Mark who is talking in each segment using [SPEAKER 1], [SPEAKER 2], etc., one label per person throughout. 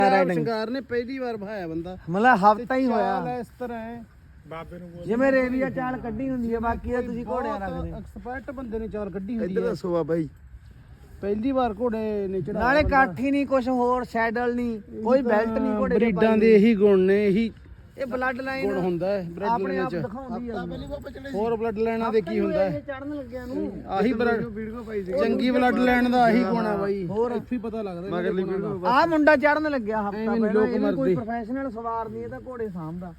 [SPEAKER 1] ਸ਼ਿੰਗਾਰ ਨੇ ਪਹਿਲੀ ਵਾਰ ਭਾਇਆ ਬੰਦਾ,
[SPEAKER 2] ਮਤਲਬ ਹਫਤਾ ਹੀ ਹੋਇਆ
[SPEAKER 1] ਇਸ ਤਰ੍ਹਾਂ ਹੈ
[SPEAKER 3] ਬਾਬੇ ਨੂੰ
[SPEAKER 2] ਜਿਵੇਂ ਰੇਵੀਆ ਚਾਲ ਕੱਢੀ ਹੁੰਦੀ ਹੈ। ਬਾਕੀ ਤਾਂ ਤੁਸੀਂ ਘੋੜਿਆਂ ਰੱਖਦੇ
[SPEAKER 1] ਐਕਸਪਰਟ ਬੰਦੇ ਨੇ ਚਾਲ ਕੱਢੀ ਹੁੰਦੀ
[SPEAKER 4] ਇੱਧਰ
[SPEAKER 1] ਹੈ।
[SPEAKER 4] ਦੱਸੋ ਬਾਬਾ ਜੀ।
[SPEAKER 1] ਪਹਿਲੀ ਵਾਰ ਘੋੜੇ ਨੇ ਚੜਾਇਆ,
[SPEAKER 2] ਨਾਲੇ ਕਾਠੀ ਨਹੀਂ ਕੁਝ ਹੋਰ, ਸੈਡਲ ਨਹੀਂ, ਕੋਈ ਬੈਲਟ ਨਹੀਂ ਘੋੜੇ ਦੀ
[SPEAKER 1] ਬਰੀਡਾਂ ਦੇ ਇਹੀ ਗੁਣ ਨੇ, ਇਹੀ
[SPEAKER 2] ਇਹ ਬਲੱਡ ਲਾਈਨ
[SPEAKER 1] ਗੁਣ ਹੁੰਦਾ ਹੈ ਬਲੱਡ
[SPEAKER 2] ਆਪਣੇ
[SPEAKER 1] ਲਾਈਨਾਂ
[SPEAKER 2] ਆਪ
[SPEAKER 1] ਚ।
[SPEAKER 2] ਦਿਖਾਉਂਦੀ ਹੈ।
[SPEAKER 1] ਹੋਰ ਬਲੱਡ ਲਾਈਨਾਂ ਦੇ ਕੀ ਹੁੰਦਾ ਹੈ,
[SPEAKER 2] ਚੜਨ ਲੱਗਿਆ ਨੂੰ
[SPEAKER 1] ਆਹੀ
[SPEAKER 4] ਵੀਡੀਓ ਪਾਈ ਸੀ
[SPEAKER 1] ਚੰਗੀ ਬਲੱਡ ਲਾਈਨ ਦਾ ਆਹੀ ਗੁਣ ਹੈ ਬਾਈ। ਹੋਰ ਇੱਥੇ ਹੀ ਪਤਾ ਲੱਗਦਾ
[SPEAKER 4] ਮਗਰਲੀ ਵੀਡੀਓ
[SPEAKER 2] ਆਹ ਮੁੰਡਾ ਚੜਨ ਲੱਗਿਆ ਹਫਤਾ
[SPEAKER 1] ਐਵੇਂ ਨੀ
[SPEAKER 2] ਪਹਿਲਾਂ,
[SPEAKER 1] ਲੋਕ
[SPEAKER 2] ਇਹ ਵੀ ਕੋਈ
[SPEAKER 1] ਮਰਦੇ।
[SPEAKER 2] ਪ੍ਰੋਫੈਸ਼ਨਲ ਸਵਾਰ ਨਹੀਂ, ਇਹ ਤਾਂ ਘੋੜੇ ਸਾਂਭਦਾ।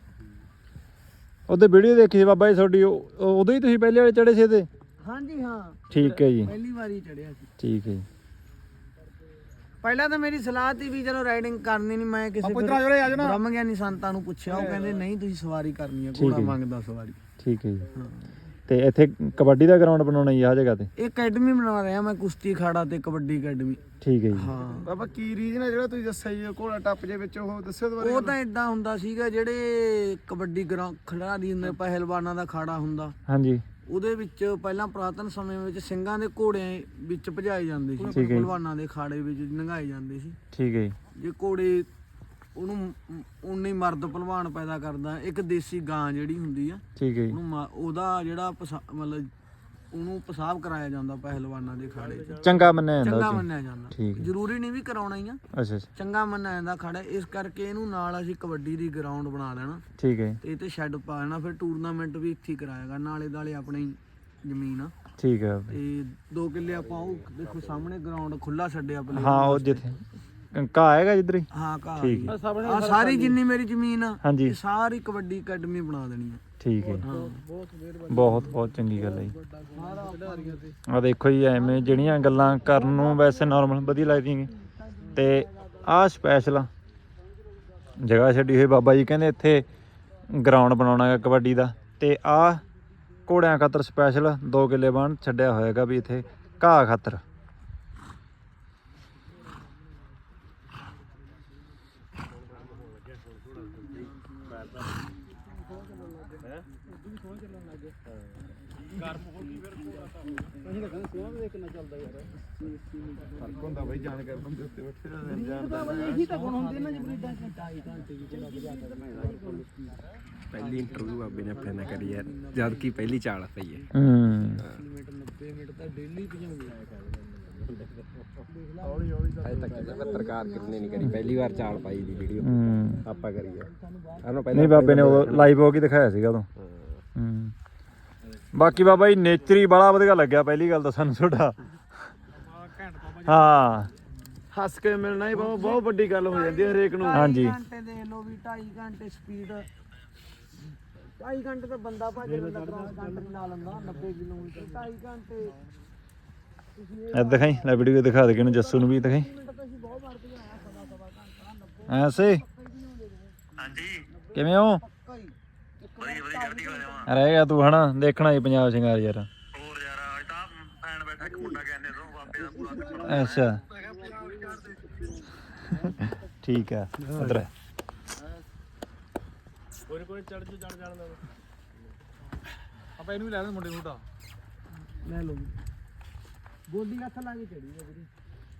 [SPEAKER 3] ਉਹਦੇ ਵੀਡੀਓ ਦੇਖੀ ਸੀ ਬਾਬਾ ਜੀ ਤੁਹਾਡੀ, ਉਦੋਂ ਹੀ ਤੁਸੀਂ ਪਹਿਲੇ ਵਾਲੇ ਚੜੇ ਸੀ ਤੇ?
[SPEAKER 2] ਹਾਂਜੀ ਹਾਂ,
[SPEAKER 3] ਠੀਕ ਹੈ ਜੀ,
[SPEAKER 2] ਪਹਿਲੀ ਵਾਰੀ ਚੜਿਆ ਸੀ।
[SPEAKER 3] ਠੀਕ ਹੈ ਜੀ।
[SPEAKER 2] ਪਹਿਲਾਂ ਤਾਂ ਮੇਰੀ ਸਲਾਹ ਸੀ ਵੀ ਚਲੋ ਰਾਈਡਿੰਗ ਕਰਨੀ ਨਹੀਂ, ਮੈਂ ਕਿਸੇ ਬ੍ਰਹਮ ਗਿਆਨੀ ਸੰਤਾਂ ਨੂੰ ਪੁੱਛਿਆ, ਉਹ ਕਹਿੰਦੇ ਨਹੀਂ ਤੁਸੀਂ ਸਵਾਰੀ ਕਰਨੀ ਹੈ, ਘੋੜਾ ਮੰਗਦਾ ਸਵਾਰੀ।
[SPEAKER 3] ਠੀਕ ਹੈ ਜੀ। ਤੇ ਇੱਥੇ ਕਬੱਡੀ ਦਾ ਗਰਾਊਂਡ ਬਣਾਉਣਾ ਜੀ ਆਹ ਜਗ੍ਹਾ ਤੇ?
[SPEAKER 2] ਇਹ ਅਕੈਡਮੀ ਬਣਾ ਰਿਹਾ ਮੈਂ, ਕੁਸ਼ਤੀ ਅਖਾੜਾ ਤੇ ਕਬੱਡੀ ਅਕੈਡਮੀ।
[SPEAKER 3] ਠੀਕ ਹੈ ਜੀ।
[SPEAKER 2] ਹਾਂ
[SPEAKER 4] ਬਾਬਾ ਕੀ ਰੀਜਨ ਹੈ ਜਿਹੜਾ ਤੁਸੀਂ ਦੱਸਿਆ ਜੀ ਘੋੜਾ ਟੱਪ ਜੇ ਵਿੱਚ, ਉਹ ਦੱਸਿਓ ਦੁਬਾਰਾ।
[SPEAKER 2] ਉਹ ਤਾਂ ਇਦਾਂ ਹੁੰਦਾ ਸੀਗਾ, ਜਿਹੜੇ ਕਬੱਡੀ ਖਿਡਾਰੀ ਹੁੰਦੇ, ਪਹਿਲਵਾਨਾਂ ਦਾ ਅਖਾੜਾ ਹੁੰਦਾ,
[SPEAKER 3] ਹਾਂਜੀ
[SPEAKER 2] ਉਹਦੇ ਵਿੱਚ ਪਹਿਲਾਂ ਪੁਰਾਤਨ ਸਮੇਂ ਵਿੱਚ ਸਿੰਘਾਂ ਦੇ ਘੋੜੇ ਵਿੱਚ ਭਜਾਏ ਜਾਂਦੇ ਸੀ,
[SPEAKER 3] ਠੀਕ ਹੈ।
[SPEAKER 2] ਪਹਿਲਵਾਨਾਂ ਦੇ ਅਖਾੜੇ ਵਿੱਚ ਨੰਗਾਏ ਜਾਂਦੇ ਸੀ।
[SPEAKER 3] ਠੀਕ ਹੈ ਜੀ।
[SPEAKER 2] ਜੇ ਘੋੜੇ ਉਹਨੂੰ ਉਨੀ ਮਰਦ ਪਹਿਲਵਾਨ ਪੈਦਾ ਕਰਦਾ, ਇੱਕ ਦੇਸੀ ਗਾਂ ਜਿਹੜੀ ਹੁੰਦੀ ਆ,
[SPEAKER 3] ਠੀਕ ਹੈ ਜੀ।
[SPEAKER 2] ਉਹਨੂੰ ਉਹਦਾ ਜਿਹੜਾ ਮਤਲਬ ਉਹਨੂੰ ਪਿਸ਼ਾਬ ਕਰਾਇਆ ਜਾਂਦਾ ਪਹਿਲਵਾਨਾਂ ਦੇ ਅਖਾੜੇ 'ਚ,
[SPEAKER 3] ਚੰਗਾ ਮੰਨਿਆ ਜਾਂਦਾ
[SPEAKER 2] ਚੰਗਾ
[SPEAKER 3] ਉਹ 'ਚ?
[SPEAKER 2] ਮੰਨਿਆ ਜਾਂਦਾ।
[SPEAKER 3] ਠੀਕ ਹੈ।
[SPEAKER 2] ਜ਼ਰੂਰੀ ਨਹੀਂ ਵੀ ਕਰਾਉਣਾ ਹੀ ਆ,
[SPEAKER 3] ਅੱਛਾ ਅੱਛਾ,
[SPEAKER 2] ਚੰਗਾ ਮੰਨਿਆ ਜਾਂਦਾ ਅਖਾੜਾ। ਇਸ ਕਰਕੇ ਇਹਨੂੰ ਨਾਲ ਅਸੀਂ ਕਬੱਡੀ ਦੀ ਗਰਾਊਂਡ ਬਣਾ ਲੈਣਾ
[SPEAKER 3] ਠੀਕ ਹੈ
[SPEAKER 2] ਤੇ ਇਹ ਤੇ ਸ਼ੈੱਡ ਪਾ ਲੈਣਾ, ਫਿਰ ਟੂਰਨਾਮੈਂਟ ਵੀ ਇੱਥੇ ਹੀ ਕਰਾਏਗਾ, ਨਾਲੇ ਦਾਲੇ ਆਪਣੀ ਜ਼ਮੀਨ ਆ।
[SPEAKER 3] ਠੀਕ ਹੈ।
[SPEAKER 2] ਤੇ 2 ਕਿੱਲੇ ਆਪਾਂ ਉਹ ਦੇਖੋ ਸਾਹਮਣੇ ਗਰਾਊਂਡ ਖੁੱਲਾ ਛੱਡਿਆ ਪਲੇ।
[SPEAKER 3] ਹਾਂ ਉਹ ਜਿੱਥੇ ਘਾਹ ਹੈਗਾ ਜਿੱਧਰ ਹੀ?
[SPEAKER 2] ਹਾਂ ਘਾਹ
[SPEAKER 3] ਠੀਕ ਹੈ।
[SPEAKER 2] ਆ ਸਾਰੀ ਜਿੰਨੀ ਮੇਰੀ ਜ਼ਮੀਨ ਆ,
[SPEAKER 3] ਹਾਂਜੀ
[SPEAKER 2] ਇਹ ਸਾਰੀ ਕਬੱਡੀ ਅਕੈਡਮੀ ਬਣਾ ਦੇਣੀ ਆ।
[SPEAKER 3] ਠੀਕ ਹੈ।
[SPEAKER 2] ਹਾਂ
[SPEAKER 3] ਬਹੁਤ ਬਹੁਤ ਚੰਗੀ ਗੱਲ ਹੈ ਜੀ। ਆ ਦੇਖੋ ਜੀ, ਐਵੇਂ ਜਿਹੜੀਆਂ ਗੱਲਾਂ ਕਰਨ ਨੂੰ ਵੈਸੇ ਨਾਰਮਲ ਵਧੀਆ ਲੱਗਦੀਆਂ ਨੇ, ਤੇ ਆਹ ਸਪੈਸ਼ਲ ਜਗ੍ਹਾ ਛੱਡੀ ਹੋਈ ਬਾਬਾ ਜੀ ਕਹਿੰਦੇ ਇੱਥੇ ਗਰਾਊਂਡ ਬਣਾਉਣਾ ਹੈ ਕਬੱਡੀ ਦਾ, ਤੇ ਆਹ ਘੋੜਿਆਂ ਖਾਤਰ ਸਪੈਸ਼ਲ 2 ਕਿੱਲੇ ਬਣ ਛੱਡਿਆ ਹੋਏਗਾ ਵੀ ਇੱਥੇ ਘਾਹ ਖਾਤਰ।
[SPEAKER 4] ਫਰਕ ਹੁੰਦਾ ਬਾਈ ਜਾਣਕਾਰ ਬੰਦੇ ਉੱਤੇ ਬੈਠੇ ਰਹਿੰਦੇ ਜਾਣਦਾ।
[SPEAKER 2] ਇਹੀ ਤਾਂ ਗੁਣ ਹੁੰਦੇ ਨਾ ਜੀ ਬਰੀਡਾਂ 'ਚ, 2.5 ਘੰਟੇ ਵਿੱਚ ਘੋੜਾ ਭਜਾ ਕਰਨਾ।
[SPEAKER 4] ਪਹਿਲੀ ਇੰਟਰਵਿਊ ਬਾਬੇ ਨੇ ਆਪਣੇ ਨਾਲ ਕਰੀ ਯਾਰ, ਜਦ ਕੀ ਪਹਿਲੀ ਚਾਲ ਪਈ ਹੈ।
[SPEAKER 2] 90 ਮਿੰਟ ਤਾਂ ਡੇਲੀ ਭਜਾਉਂਦੇ ਆ।
[SPEAKER 4] ਅਜੇ ਤੱਕ ਪੱਤਰਕਾਰ ਕਿਤਨੇ ਨਹੀਂ ਕਰੀ, ਪਹਿਲੀ ਵਾਰ ਚਾਲ ਪਾਈ ਦੀ ਵੀਡੀਓ ਆਪਾਂ ਕਰੀਏ।
[SPEAKER 3] ਨਹੀਂ ਬਾਬੇ ਨੇ ਉਹ ਲਾਈਵ ਹੋ ਕੇ ਦਿਖਾਇਆ ਸੀਗਾ ਉਦੋਂ। ਬਾਕੀ ਬਾਬਾ ਜੀ ਨੇਚਰ ਹੀ ਬੜਾ ਵਧੀਆ ਲੱਗਿਆ, ਪਹਿਲੀ ਗੱਲ ਤਾਂ ਸਾਨੂੰ ਤੁਹਾਡਾ। ਹਾਂ
[SPEAKER 4] ਹੱਸ ਕੇ ਮਿਲਣਾ ਹੀ ਬਹੁਤ ਵੱਡੀ ਗੱਲ ਹੋ ਜਾਂਦੀ ਹੈ ਹਰੇਕ ਨੂੰ।
[SPEAKER 3] ਹਾਂਜੀ
[SPEAKER 2] 2.5 ਘੰਟੇ ਦੇਖ ਲਓ ਵੀ, 2.5 ਘੰਟੇ ਸਪੀਡ, 2.5 ਘੰਟੇ ਤਾਂ ਬੰਦਾ ਭੱਜ ਲੈਂਦਾ, ਕ੍ਰਾਸ ਕੰਟਰੀ ਲਾ ਲੈਂਦਾ 90 ਕਿਲੋਮੀਟਰ। 2.5 ਘੰਟੇ
[SPEAKER 3] ਇਹ ਦਿਖਾਈ ਲੈ, ਵੀਡੀਓ ਦਿਖਾ ਦੇ ਕਿਨੂੰ, ਜੱਸੂ ਨੂੰ ਵੀ ਦਿਖਾਈ। ਐਸੇ
[SPEAKER 5] ਹਾਂਜੀ
[SPEAKER 3] ਕਿਵੇਂ ਹੋ?
[SPEAKER 5] ਵਧੀਆ ਵਧੀਆ ਚੜ੍ਹਦੀ ਕਲਾ ਜਾਵਾਂ।
[SPEAKER 3] ਰਹਿ ਗਿਆ ਤੂੰ ਹਨਾ, ਦੇਖਣਾ ਹੀ ਪੰਜਾਬ ਸ਼ਿੰਗਾਰ ਯਾਰ।
[SPEAKER 5] ਹੋਰ ਯਾਰ ਅੱਜ ਤਾਂ ਫੈਨ ਬੈਠਾ ਇੱਕ ਮੁੰਡਾ ਕਹਿੰਦੇ ਤੋਂ ਬਾਬੇ ਦਾ ਪੂਰਾ
[SPEAKER 3] ਅੱਛਾ ਠੀਕ ਹੈ, ਉਧਰ ਕੋਈ ਚੜ ਜੂ ਚੜ ਜਾਣ ਦਾ ਆਪਾਂ ਇਹਨੂੰ ਵੀ ਲੈ ਲੈਂਦੇ ਮੁੰਡੇ ਨੂੰ ਤਾਂ
[SPEAKER 2] ਲੈ ਲਓ ਗੋਡੀ ਹੱਥ ਲਾ ਕੇ ਚੜੀ ਆ ਵੀਰੇ।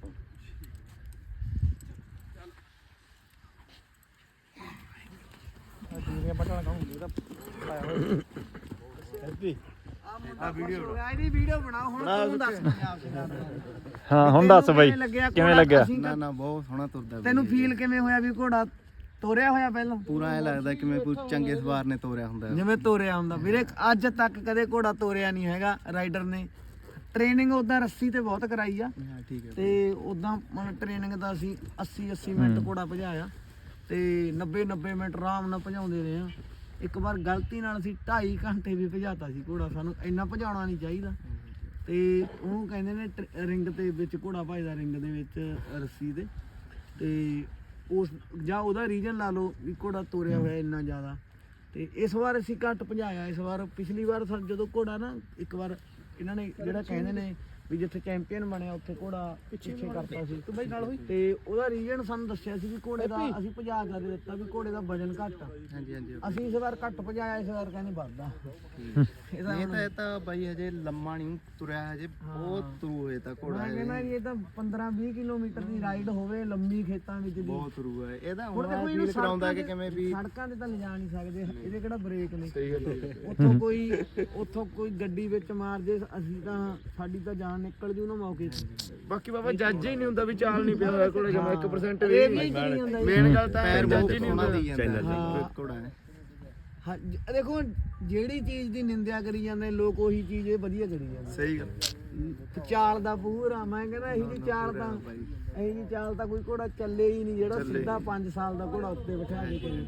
[SPEAKER 3] ਜਿਹੜੀਆਂ ਪਟਾਣਾ ਖਾਉਂਗੇ ਤਾਂ ਪਾਇਆ ਹੋਇਆ ਹੈਪੀ।
[SPEAKER 2] ਆ ਵੀਡੀਓ ਬਣਾਓ ਹੁਣ, ਤੂੰ ਦੱਸ ਪੰਜਾਬ ਸ਼ਿੰਗਾਰ ਦਾ।
[SPEAKER 3] ਹਾਂ ਹੁਣ ਦੱਸ ਬਾਈ ਕਿਵੇਂ ਲੱਗਿਆ?
[SPEAKER 4] ਨਾ ਨਾ ਬਹੁਤ ਸੋਹਣਾ ਤੁਰਦਾ ਬਾਈ।
[SPEAKER 2] ਤੈਨੂੰ ਫੀਲ ਕਿਵੇਂ ਹੋਇਆ ਵੀ ਘੋੜਾ ਤੋਰਿਆ ਹੋਇਆ ਪਹਿਲਾਂ?
[SPEAKER 4] ਪੂਰਾ ਐ ਲੱਗਦਾ ਕਿਵੇਂ ਕੋਈ ਚੰਗੇ ਸਵਾਰ ਨੇ ਤੋਰਿਆ ਹੁੰਦਾ।
[SPEAKER 2] ਜਿਵੇਂ ਤੋਰਿਆ ਹੁੰਦਾ ਵੀਰੇ, ਅੱਜ ਤੱਕ ਕਦੇ ਘੋੜਾ ਤੋਰਿਆ ਨਹੀਂ ਹੈਗਾ ਰਾਈਡਰ ਨੇ। ਟ੍ਰੇਨਿੰਗ ਉਦਾਂ ਰੱਸੀ ਤੇ ਬਹੁਤ ਕਰਾਈ ਆ,
[SPEAKER 4] ਹਾਂ ਠੀਕ ਹੈ।
[SPEAKER 2] ਤੇ ਉਦਾਂ ਮਤਲਬ ਟ੍ਰੇਨਿੰਗ ਦਾ ਅਸੀਂ 80 ਮਿੰਟ ਘੋੜਾ ਭਜਾਇਆ, ਤੇ 90 ਮਿੰਟ ਆਰਾਮ ਨਾਲ ਭਜਾਉਂਦੇ ਰਹੇ ਆ। ਇੱਕ ਵਾਰ ਗਲਤੀ ਨਾਲ ਅਸੀਂ 2.5 ਘੰਟੇ ਵੀ ਭਜਾਤਾ ਸੀ ਘੋੜਾ, ਸਾਨੂੰ ਇੰਨਾ ਭਜਾਉਣਾ ਨਹੀਂ ਚਾਹੀਦਾ। ਤੇ ਉਹਨੂੰ ਕਹਿੰਦੇ ਨੇ ਰਿੰਗ ਦੇ ਵਿੱਚ ਘੋੜਾ ਭਜਦਾ, ਰਿੰਗ ਦੇ ਵਿੱਚ ਰੱਸੀ ਦੇ, ਤੇ ਉਸ ਜਾਂ ਉਹਦਾ ਰੀਜਨ ਲਾ ਲਓ ਵੀ ਘੋੜਾ ਤੋਰਿਆ ਹੋਇਆ ਇੰਨਾ ਜ਼ਿਆਦਾ। ਤੇ ਇਸ ਵਾਰ ਅਸੀਂ ਘੱਟ ਭਜਾਇਆ। ਇਸ ਵਾਰ ਪਿਛਲੀ ਵਾਰ ਜਦੋਂ ਘੋੜਾ ਨਾ, ਇੱਕ ਵਾਰ ਇਹਨਾਂ ਨੇ ਜਿਹੜਾ ਕਹਿੰਦੇ ਨੇ ਵੀ ਜਿੱਥੇ ਚੈਂਪੀਅਨ ਬਣਿਆ ਉੱਥੇ ਘੋੜਾ ਪਿੱਛੇ ਕਰਤਾ ਸੀ ਤੂੰ ਬਾਈ ਨਾਲ ਹੋਈ ਤੇ ਉਹਦਾ ਰੀਜਨ ਸਾਨੂੰ ਦੱਸਿਆ ਸੀ ਵੀ ਘੋੜੇ ਦਾ ਅਸੀਂ ਭਜਾ ਕੇ ਦਿੱਤਾ ਵੀ ਘੋੜੇ ਦਾ ਵਜਨ ਘੱਟ ਆ।
[SPEAKER 1] ਹਾਂਜੀ ਹਾਂਜੀ
[SPEAKER 2] ਅਸੀਂ ਇਸ ਵਾਰ ਘੱਟ ਭਜਾਇਆ, ਇਸ ਵਾਰ ਕਹਿੰਦੇ ਵੱਧਦਾ।
[SPEAKER 1] ਇਹ ਤਾਂ ਬਾਈ ਹਜੇ ਲੰਮਾ ਨਹੀਂ ਤੁਰਿਆ, ਹਜੇ ਬਹੁਤ ਤੁਰੂ ਹੋਏ ਤਾਂ ਘੋੜਾ
[SPEAKER 2] ਮੈਂ ਕਹਿੰਦਾ ਇਹ ਤਾਂ 15-20 ਕਿਲੋਮੀਟਰ ਦੀ ਰਾਈਡ ਹੋਵੇ ਲੰਮੀ ਖੇਤਾਂ ਵਿੱਚ ਦੀ।
[SPEAKER 1] ਬਹੁਤ ਤੁਰੂ ਹੈ ਇਹਦਾ।
[SPEAKER 2] ਹੁਣ
[SPEAKER 1] ਹੁਣ ਫੀਲ ਕਰਾਉਂਦਾ ਕਿ ਕਿਵੇਂ ਵੀ
[SPEAKER 2] ਸੜਕਾਂ ਤੇ ਤਾਂ ਲਿਜਾ ਨਹੀਂ ਸਕਦੇ, ਇਹਦੇ ਕਿਹੜਾ ਬ੍ਰੇਕ ਨੇ।
[SPEAKER 1] ਸਹੀ ਗੱਲ ਹੈ।
[SPEAKER 2] ਉੱਥੋਂ ਕੋਈ ਗੱਡੀ ਵਿੱਚ ਮਾਰ ਜੇ ਅਸੀਂ ਤਾਂ ਸਾਡੀ ਤਾਂ ਜਾਨ ਨਿਕਲ ਜੂ ਨਾ ਮੌਕੇ ਤੇ।
[SPEAKER 1] ਬਾਕੀ ਬਾਬਾ ਜੱਜ ਹੀ ਨਹੀਂ ਹੁੰਦਾ ਵੀ ਚਾਲ ਨਹੀਂ ਪਿਆ ਹੋਇਆ ਘੋੜੇ ਜਮਾ 1%
[SPEAKER 2] ਇਹ ਵੀ ਨਹੀਂ ਹੁੰਦਾ ਜੀ।
[SPEAKER 1] ਮੇਨ ਗੱਲ ਤਾਂ ਪੈਰ ਜੱਜ ਹੀ ਨਹੀਂ ਹੁੰਦਾ ਘੋੜਾ ਹੈ।
[SPEAKER 2] ਹਾਂ ਦੇਖੋ ਜਿਹੜੀ ਚੀਜ਼ ਦੀ ਨਿੰਦਿਆ ਕਰੀ ਜਾਂਦੇ ਲੋਕ ਉਹੀ ਚੀਜ਼ ਇਹ ਵਧੀਆ ਕਰੀ ਜਾਂਦੇ।
[SPEAKER 1] ਸਹੀ ਗੱਲ।
[SPEAKER 2] ਚਾਲ ਦਾ ਪੂਰਾ ਮੈਂ ਕਹਿੰਦਾ ਇਹੀ ਜੀ ਚਾਲ ਤਾਂ ਕੋਈ ਘੋੜਾ ਚੱਲੇ ਹੀ ਨਹੀਂ ਜਿਹੜਾ ਸਿੱਧਾ 5 ਸਾਲ ਦਾ ਘੋੜਾ ਉੱਤੇ ਬਿਠਾ ਕੇ ਕਰੇ।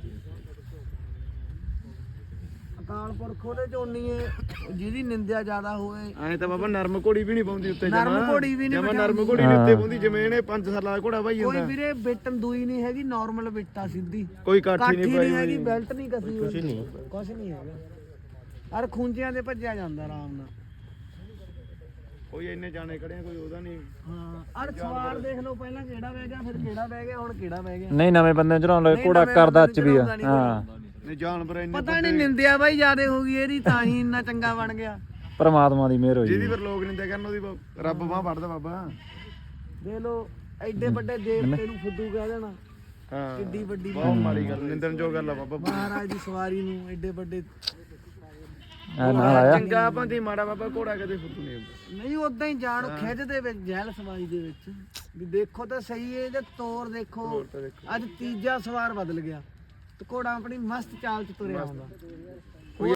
[SPEAKER 2] ਅਕਾਲ ਪੁਰਖ ਉਹਦੇ ਚ ਉਨੀ ਹੈ ਜਿਹਦੀ ਨਿੰਦਿਆ ਜ਼ਿਆਦਾ ਹੋਵੇ।
[SPEAKER 1] ਐਂ ਤਾਂ ਬਾਬਾ ਨਰਮ ਘੋੜੀ ਵੀ ਨਹੀਂ ਪਾਉਂਦੀ ਉੱਤੇ
[SPEAKER 2] ਨਰਮ ਘੋੜੀ ਵੀ ਨਹੀਂ
[SPEAKER 1] ਨਰਮ ਘੋੜੀ ਨਹੀਂ ਉੱਤੇ ਪਾਉਂਦੀ ਜਿਵੇਂ ਇਹਨੇ 5 ਸਾਲਾਂ ਦਾ ਘੋੜਾ ਭਾਈ
[SPEAKER 2] ਕੋਈ
[SPEAKER 1] ਹੁੰਦਾ।
[SPEAKER 2] ਵੀਰੇ ਬਿੱਟਨ ਦੂਈ ਨਹੀਂ ਹੈਗੀ, ਨਾਰਮਲ ਬਿੱਟਾ ਸਿੱਧੀ
[SPEAKER 1] ਕੋਈ ਕਾਠੀ ਨਹੀਂ ਪਾਈ
[SPEAKER 2] ਹੈਗੀ, ਬੈਲਟ ਨਹੀਂ ਕਸੀ ਕੁਛ ਨਹੀਂ ਹੈਗਾ। ਅਰ ਖੁੰਝਿਆਂ ਦੇ ਭੱਜਿਆ ਜਾਂਦਾ ਆਰਾਮ ਨਾਲ।
[SPEAKER 1] ਕੋਈ ਇੰਨੇ ਜਾਣੇ ਖੜੇ ਆ, ਕੋਈ ਉਹਦਾ ਨਹੀਂ।
[SPEAKER 2] ਹਾਂ ਅਰ ਸਵਾਰ ਦੇਖ ਲਓ, ਪਹਿਲਾਂ ਕਿਹੜਾ ਬਹਿ ਗਿਆ, ਫਿਰ ਕਿਹੜਾ ਬਹਿ ਗਿਆ, ਹੁਣ ਕਿਹੜਾ ਬਹਿ ਗਿਆ।
[SPEAKER 3] ਨਹੀਂ ਨਵੇਂ ਬੰਦੇ ਚੜਾਉਣ ਲੱਗੇ ਘੋੜਾ ਕਰਦਾ ਚ ਵੀ ਆ। ਹਾਂ
[SPEAKER 1] ਨਹੀਂ ਜਾਨਵਰ ਇੰਨੇ
[SPEAKER 2] ਪਤਾ ਨਹੀਂ ਨਿੰਦਿਆ ਬਾਈ ਜ਼ਿਆਦੇ ਹੋ ਗਈ ਇਹਦੀ, ਤਾਂ ਹੀ ਇੰਨਾ ਚੰਗਾ ਬਣ ਗਿਆ।
[SPEAKER 3] ਪਰਮਾਤਮਾ ਦੀ ਮਿਹਰ ਹੋਈ।
[SPEAKER 1] ਜਿਹਦੀ ਫਿਰ ਲੋਕ ਨਿੰਦਿਆ ਕਰਨ ਉਹਦੀ ਰੱਬ ਬਾਹ ਵੜਦਾ ਬਾਬਾ।
[SPEAKER 2] ਦੇਖ ਲਓ ਐਡੇ ਵੱਡੇ ਦੇਵਤੇ ਨੂੰ ਫੁੱਦੂ ਕਹਿ ਦੇਣਾ
[SPEAKER 1] ਹਾਂ
[SPEAKER 2] ਕਿੱਡੀ ਵੱਡੀ
[SPEAKER 1] ਬਹੁਤ ਮਾੜੀ ਗੱਲ, ਨਿੰਦਣ ਜੋ ਗੱਲ ਆ ਬਾਬਾ।
[SPEAKER 2] ਮਹਾਰਾਜ ਦੀ ਸਵਾਰੀ ਨੂੰ ਐਡੇ ਵੱਡੇ
[SPEAKER 3] ਨਾਲ ਆਇਆ
[SPEAKER 1] ਚੰਗਾ ਬੰਦੀ ਮਾੜਾ ਬਾਬਾ ਘੋੜਾ ਕਦੇ ਫੁੱਟੂ ਨਹੀਂ ਹੁੰਦਾ।
[SPEAKER 2] ਨਹੀਂ ਉਦਾਂ ਹੀ ਜਾਣ ਖਿੱਚ ਦੇ ਵਿੱਚ ਜਹਿਲ ਸਵਾਰੀ ਦੇ ਵਿੱਚ ਵੀ ਦੇਖੋ ਤਾਂ ਸਹੀ ਇਹਦੇ ਤੋਰ ਦੇਖੋ। ਅੱਜ ਤੀਜਾ ਸਵਾਰ ਬਦਲ ਗਿਆ ਤੇ ਘੋੜਾ ਆਪਣੀ ਮਸਤ ਚਾਲ ਚ ਤੁਰਿਆ ਹੁੰਦਾ।